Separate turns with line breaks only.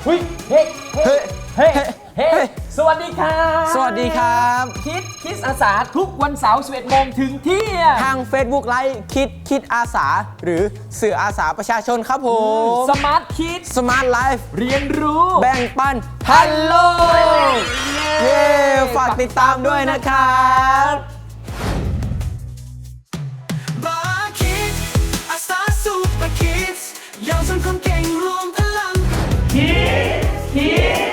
เฮ้ยเฮ้เฮ้เฮ้เฮ้สวัสดีครับ
สวัสดีครับ
คิดอาสาทุกวันเสาร์11 โมงถึงเที่ยง
ทาง Facebook ไลฟ์คิดอาสาหรือสื่ออาสาประชาชนครับผม
สมาร์ทคิด
สมาร์ทไลฟ์
เรียนรู้
แบ่งปันฮัลโหลเย้ฝากติดตามด้วยนะครับ
บาร์คิดอาสาสูเปอร์คิดเยาวชนคนเก่งรวมพลังคิด